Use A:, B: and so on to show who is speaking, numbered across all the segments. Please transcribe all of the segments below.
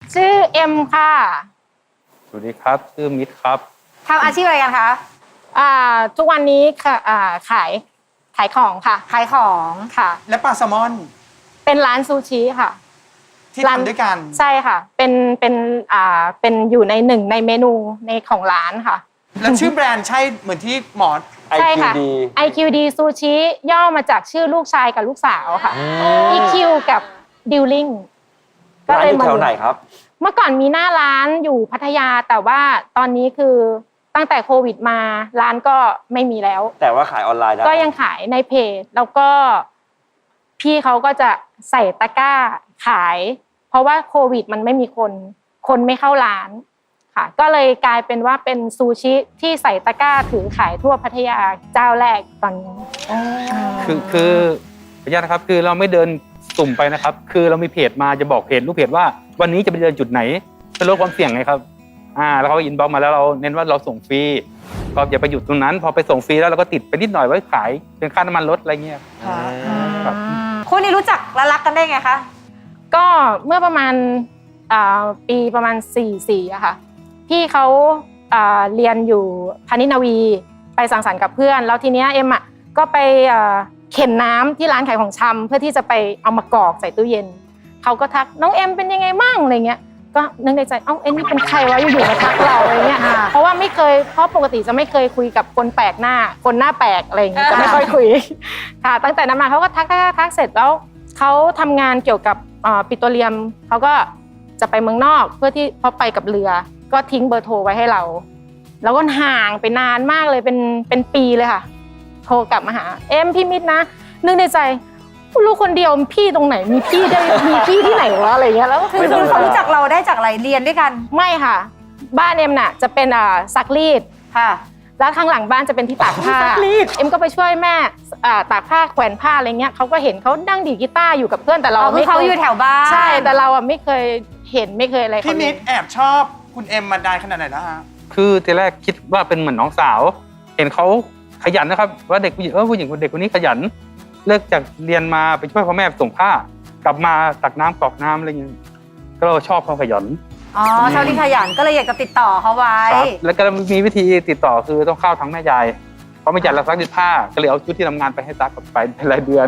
A: ชื่อเอ็มค่ะ
B: สวัสดีครับชื่อมิตรครับ
C: ทำอาชีพอะไรกันคะ
A: ทุกวันนี้ค่ะขายของค่ะ
C: ขายของ
A: ค่ะ
D: และปลาแซลมอน
A: เป็นร้านซูชิค่ะ
D: ที่ทำด้วยกัน
A: ใช่ค่ะเป็นอยู่ในหนึ่งในเมนูในของร้านค่ะ
D: แล้วชื่อแบรนด์ใช่เหมือนที่หมอ
A: ใช่ค่ะ IQD ซูชิย่อมาจากชื่อลูกชายกับลูกสาวค่ะ EQ กับดิวลิง
E: ก็เลยมาแถวไหนครับ
A: เมื่อก่อนมีหน้าร้านอยู่พัทยาแต่ว่าตอนนี้คือตั้งแต่โควิดมาร้านก็ไม่มีแล้ว
E: แต่ว่าขายออนไลน์ได้
A: ก็ยังขายในเพจแล้วก็พี่เขาก็จะใส่ตะกร้าขายเพราะว่าโควิดมันไม่มีคนไม่เข้าร้านค่ะก็เลยกลายเป็นว่าเป็นซูชิที่ใส่ตะกร้าถือขายทั่วพัทยาเจ้าแรกตอนนี้
B: คือขออนุญาตนะครับคือเราไม่เดินสุ่มไปนะครับคือเรามีเพจมาจะบอกเพจลูกเพจว่าวันนี้จะไปเดินจุดไหนเพื่อลดความเสี่ยงไงครับแล้วเขาอินบ็อกซ์มาแล้วเราเน้นว่าเราส่งฟรีก็อย่าไปหยุดตรงนั้นพอไปส่งฟรีแล้วเราก็ติดไปนิดหน่อยไว้ขายเป็นค่าน้ำมันรถอะไรเงี้ย
C: ครับคู่นี้รู้จักและรักกันได้ไงคะ
A: ก็เมื่อประมาณปีประมาณ44อะค่ะพี่เขาเรียนอยู่พานิชย์นาวีไปสังสรรค์กับเพื่อนแล้วทีเนี้ยเอ็มอะก็ไปเข็นน้ำที่ร้านขายของชำเพื่อที่จะไปเอามากรอกใส่ตู้เย็นเขาก็ทักน้องเอ็มเป็นยังไงมั่งอะไรเงี้ยก็นึกในใจเอ็มนี่เป็นใครวะอยู่ๆมาทักเราอะไรเงี้ยเพราะว่าไม่เคยเพราะปกติจะไม่เคยคุยกับคนแปลกหน้าคนหน้าแปลกอะไรอย่างเงี้ยจะไม่ค่อยคุยค่ะตั้งแต่นั้นมาเขาก็ทักเสร็จแล้วเขาทำงานเกี่ยวกับปิโตรเลียมเขาก็จะไปเมืองนอกเพื่อที่เขาไปกับเรือก็ทิ้งเบอร์โทรไว้ให้เราแล้วก็ห่างไปนานมากเลยเป็นปีเลยค่ะโทรกลับมาหาเอ็มพี่มิตรนะนึกในใจลูกคนเดียวพี่ตรงไหนมีพี่ที่ไหนวะอะไรเงี้ยแล้ว
C: คือเขารู้จักเราได้จากอะไรเรียนด้วยกัน
A: ไม่ค่ะบ้านเอ็มน่ะจะเป็นซักรีด
C: ค่ะ
A: แล้วข้างหลังบ้านจะเป็นที่ตากผ้าเอ็มก็ไปช่วยแม่ตากผ้าแขวนผ้าอะไรเงี้ยเขาก็เห็นเขานั่งดีดกีตาร์อยู่กับเพื่อนแต่เราไม่
C: เขาอยู่แถวบ้าน
A: ใช่แต่เราไม่เคยเห็นไม่เคยอะไร
D: พี่มิตรแอบชอบคุณเอ็มมานานขนาดไหนแล้วฮะ
B: คือทีแรกคิดว่าเป็นเหมือนน้องสาวเห็นเขาขยันนะครับว่าเด็กผู้หญิงผู้หญิงเด็กคนนี้ขยันเลิกจากเรียนมาไปช่วยพ่อแม่ส่งผ้ากลับมาตักน้ำกรอกน้ำอะไรอย่างเงี้ยก็เราชอบความขยัน
C: ชอบที่ขยันก็เลยอยากจะติดต่อเขาไว้
B: แล้วก็มีวิธีติดต่อคือต้องเข้าทางแม่ยายเพราะแม่ยายเราซักผ้าก็เลยเอาชุดที่ทำงานไปให้ซักไปเป็นรายเดือน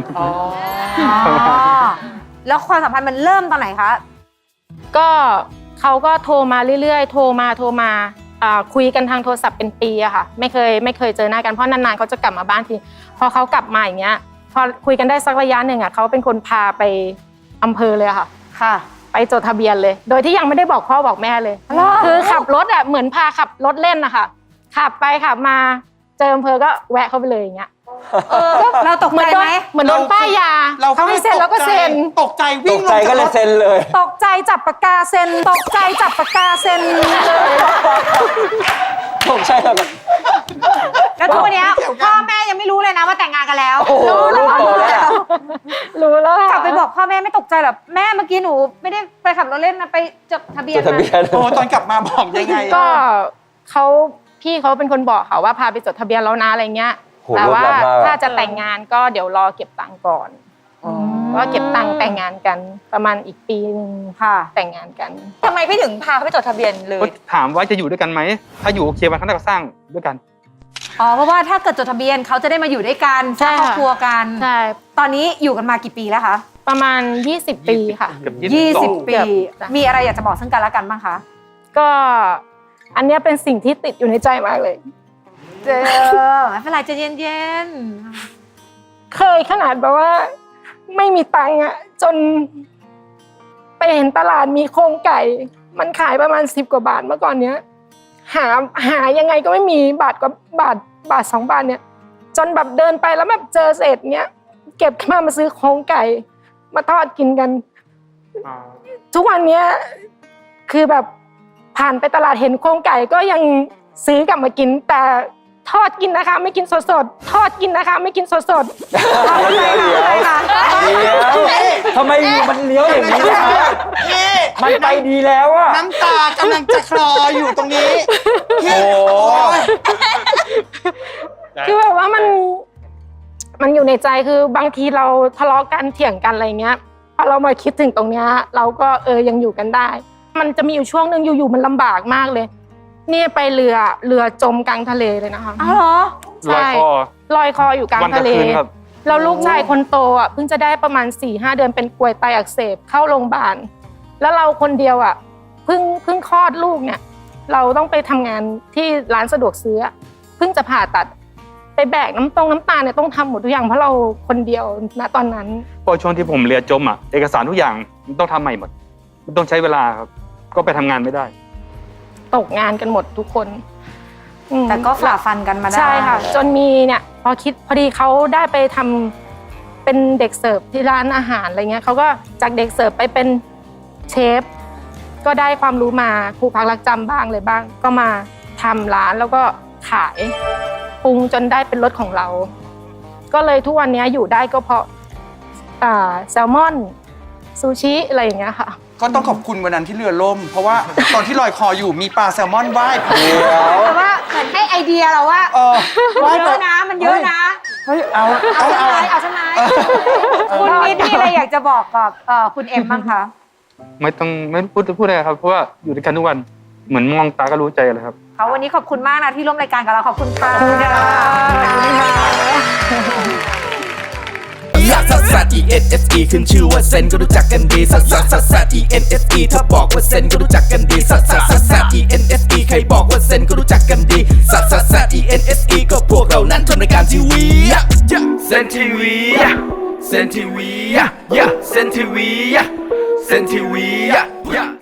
C: แล้วความสัมพันธ์มันเริ่มตอนไหนคะ
A: ก็เขาก็โทรมาเรื่อยๆโทรมาคุยกันทางโทรศัพท์เป็นปีอะค่ะไม่เคยเจอหน้ากันเพราะนานๆเขาจะกลับมาบ้านทีพอเขากลับมาอย่างเงี้ยพอคุยกันได้สักระยะหนึ่งอะเขาเป็นคนพาไปอำเภอเลยค่ะไปจดทะเบียนเลยโดยที่ยังไม่ได้บอกพ่อบอกแม่เลยคือขับรถอะเหมือนพาขับรถเล่นนะคะขับไปขับมาเจออำเภอก็แวะเข้าไปเลยอย่างเงี้ย
C: เราตกใจไหม
A: เหมือนโดนป้ายยาเขาให้เซ็นแล้วก็เซ็น
D: ตกใจวิ่งลง
E: ก็เลยเซ็นเลย
A: ตกใจจับปากกาเซ็นตกใจจับปากกาเซ็นเลย
E: ตกใจแบบ
C: แล้วทุกวันนี้พ่อแม่ยังไม่รู้เลยนะว่าแต่งงานกันแล้ว
A: รู้แล้ว
C: กลับไปบอกพ่อแม่ไม่ตกใจหรอแม่เมื่อกี้หนูไม่ได้ไปขับรถเล่นนะไปจดทะเบียน
D: โอ้ตอนกลับมาบอกยังไง
A: ก็พี่เขาเป็นคนบอกเขาว่าพาไปจดทะเบียนแล้วนะอะไรเงี้ยแต่ว่าถ้าจะแต่งงานก็เดี๋ยวรอเก็บตังค์ก่อนก็เก็บตังค์แต่งงานกันประมาณอีกปีนึงค่ะแต่งงานกัน
C: ทำไมพี่ถึงพาเขาไปจดทะเบียนเลย
B: ถามว่าจะอยู่ด้วยกันไหมถ้าอยู่โอเควันข้างหน้าก็สร้างด้วยกัน
C: เพราะว่าถ้าเกิดจดทะเบียนเขาจะได้มาอยู่ด้วยกันสร้างครอบครัวกัน
A: ใช่
C: ตอนนี้อยู่กันมากี่ปีแล้วคะ
A: ประมาณ20ปีค่ะ
C: 20ปีมีอะไรอยากจะบอกซึ่งกันและกันบ้างคะ
A: ก็อันนี้เป็นสิ่งที่ติดอยู่ในใจมากเลย
C: ไม่เป็นไรใจเย็น
A: ๆเคยขนาดแบบว่าไม่มีตังค์อะจนไปเห็นตลาดมีโครงไก่มันขายประมาณ10 กว่าบาทเมื่อก่อนเนี้ยหายังไงก็ไม่มีบาท2 บาทเนี่ยจนแบบเดินไปแล้วแบบเจอเศษเนี้ยเก็บมาซื้อโครงไก่มาทอดกินกันทุกวันเนี้ยคือแบบผ่านไปตลาดเห็นโครงไก่ก็ยังซื้อกลับมากินแต่ทอดกินนะคะไม่กินสดๆทอดกินนะคะไม่กินสดๆ
C: ทำไมคะ
E: ทำไมมันเลี้ยวอย่างนี้คะมันไปดีแล้วอะ
D: น้ำตากำลังจะคลออยู่ตรงนี้
A: คือแบบว่ามันอยู่ในใจคือบางทีเราทะเลาะกันเถียงกันอะไรเงี้ยพอเรามาคิดถึงตรงเนี้ยเราก็ยังอยู่กันได้มันจะมีอยู่ช่วงหนึ่งอยู่ๆมันลำบากมากเลยนี่ไปเรือจมกลางทะเลเลยนะคะ
C: อ้าวเหรอ
B: ลอยคอ
A: ลอยคออยู่กลาง
B: วันกับ
A: ทะเล
B: คืนครับ
A: แล้วลูกชายคนโตอ่ะเพิ่งจะได้ประมาณ 4-5 เดือนเป็นกรวยไตอักเสบเข้าโรงพยาบาลแล้วเราคนเดียวอ่ะเพิ่งคลอดลูกเนี่ยเราต้องไปทำงานที่ร้านสะดวกซื้อเพิ่งจะผ่าตัดไปแบกน้ำตาลเนี่ยต้องทำหมดทุกอย่างเพราะเราคนเดียวณตอนนั้น
B: พอช่วงที่ผมเรือจมอ่ะเอกสารทุกอย่างมันต้องทำใหม่หมดมันต้องใช้เวลาครับก็ไปทำงานไม่ได้
A: ตกงานกันหมดทุกคนอืม
C: แต่ก็ฝ่าฟันกันมาได้
A: ใช่ค่ะ จนมีเนี่ยพอดีเขาได้ไปทำเป็นเด็กเสิร์ฟที่ร้านอาหารอะไรเงี้ยเขาก็จากเด็กเสิร์ฟไปเป็นเชฟก็ได้ความรู้มาครูพักรักจำบ้างเลยบ้าง ก็มาทำร้านแล้วก็ขายปรุงจนได้เป็นรสของเรา ก็เลยทุกวันนี้อยู่ได้ก็เพราะแซลมอนซูชิอะไรอย่างเงี้ยค่ะ
D: ก็ต้องขอบคุณวันนั้นที่เรือล่ม เพราะว่าตอนที่ลอยคออยู่มีปลาแซลมอนว่าย
C: แต่ว่าเหมือนให้ไอเดียเราว่า
D: ว่าย
C: เย
D: ไป
C: อะนะมันเยอะนะ
D: เฮ้ยเอา
C: เอาใช่ไหมคุณนิดมีอะไรอยากจะบอกกับคุณเอ็มบ้างคะ
B: ไม่พูดอะไรครับเพราะว่าอยู่ด้วยกันทุกวันเหมือนมองตาก็รู้ใจเลยครับ
C: เขาวันนี้ขอบคุณมากนะที่ร่วมรายการกับเราขอบคุณค่ะ
F: ซัสซัส E N S E ขึ้นชื่อว่าเซนก็รู้จักกันดีซัสซัสซัสซัส E N S E ถ้าบอกว่าเซนก็รู้จักกันดีซัสซัสซัสซัส E N S E ใครบอกว่าเซนก็รู้จักกันดีซัสซัสซัส E N S E ก็พวกเรานั้นทำรายการทีวีเซนทีวีเซนทีวีเซนทีวีเซนทีวี